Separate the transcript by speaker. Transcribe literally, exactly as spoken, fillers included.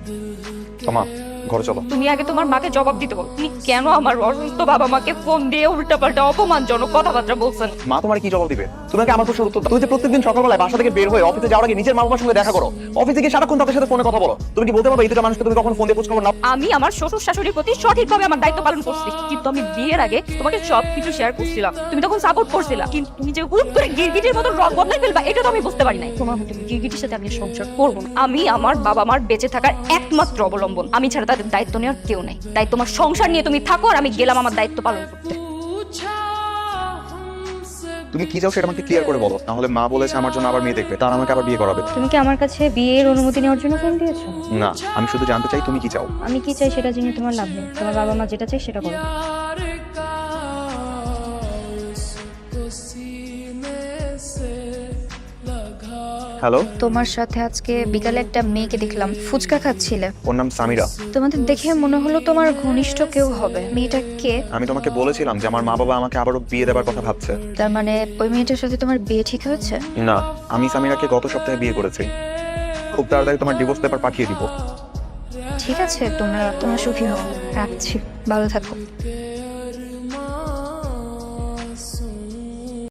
Speaker 1: তোমা ঘরে চলো।
Speaker 2: তুমি আগে তোমার মাকে জবাব দিতে বলো, তুমি কেন আমার অসুস্থ বাবা মাকে ফোন দিয়ে উল্টাপাল্টা অপমানজনক কথাবার্তা বলছেন?
Speaker 1: মা তোমার কি জবাব দিবে? তোমাকে আমার প্রশ্নের উত্তর দাও। তুমি যে প্রত্যেকদিন সকালবেলায় বাসা থেকে বের হয়ে অফিসে যাওয়ার আগে নিজের মা বাবার সঙ্গে দেখা করো, অফিসে গিয়ে সারাক্ষণ তাদের সাথে ফোনে কথা বলো, তুমি কি বলতে পারবে এই দুটো মানুষকে তুমি কখন ফোন দিয়ে খোঁজ খবর নাও?
Speaker 2: আমি আমার শ্বশুর শাশুড়ির প্রতি সঠিকভাবে আমার দায়িত্ব পালন করছি, কিন্তু আমি বিয়ের আগে তোমাকে সবকিছু শেয়ার করছিলাম, তুমি তখন সাপোর্ট করছিলা, কিন্তু তুমি যে হুট করে গিরগিটির মতো রং বদলাই ফেলবা এটা তো আমি বুঝতে পারি নাই। তোমার মতো গিরগিটির সাথে আমি সংসার করবো না। আমি আমার বাবা মার বেঁচে থাকার একমাত্র অবলম্বন, আমি ছাড়া তাদের দায়িত্ব নেওয়ার কেউ নাই। তাই তোমার সংসার নিয়ে তুমি থাকো আর আমি গেলাম আমার দায়িত্ব পালন করতে।
Speaker 1: তুমি কি চাও সেটা আমাকে ক্লিয়ার করে বলো, তাহলে মা বলেছে আমার জন্য আবার মেয়ে দেখবে, তার আমাকে আবার বিয়ে করাবে।
Speaker 2: তুমি কি আমার কাছে বিয়ের অনুমতি নেওয়ার জন্য ফোন দিয়েছো?
Speaker 1: না, আমি শুধু জানতে চাই তুমি কি চাও।
Speaker 2: আমি কি চাই সেটা জেনে তোমার লাভ নেই, তোমার বাবা মা যেটা চাই সেটা করো।
Speaker 1: হ্যালো,
Speaker 2: তোমার সাথে আজকে বিকালে একটা মেয়েকে দেখলাম, ফুচকা খাচ্ছিলে।
Speaker 1: ওর নাম সামিরা।
Speaker 2: তোমাদের দেখে মনে হলো তোমার ঘনিষ্ঠ কেউ হবে। মেয়েটা কে?
Speaker 1: আমি তোমাকে বলেছিলাম যে আমার মা বাবা আমাকে আবারও বিয়ে দেওয়ার কথা ভাবছে।
Speaker 2: তার মানে ওই মেয়েটার সাথে তোমার বিয়ে ঠিক হয়েছে?
Speaker 1: না, আমি সামিরাকে গত সপ্তাহে বিয়ে করেছি। খুব তাড়াতাড়ি তোমার ডিভোর্স পেপার পাঠিয়ে দিব।
Speaker 2: ঠিক আছে, তোমরা তোমরা সুখী হও। রাখছি, ভালো থাকো।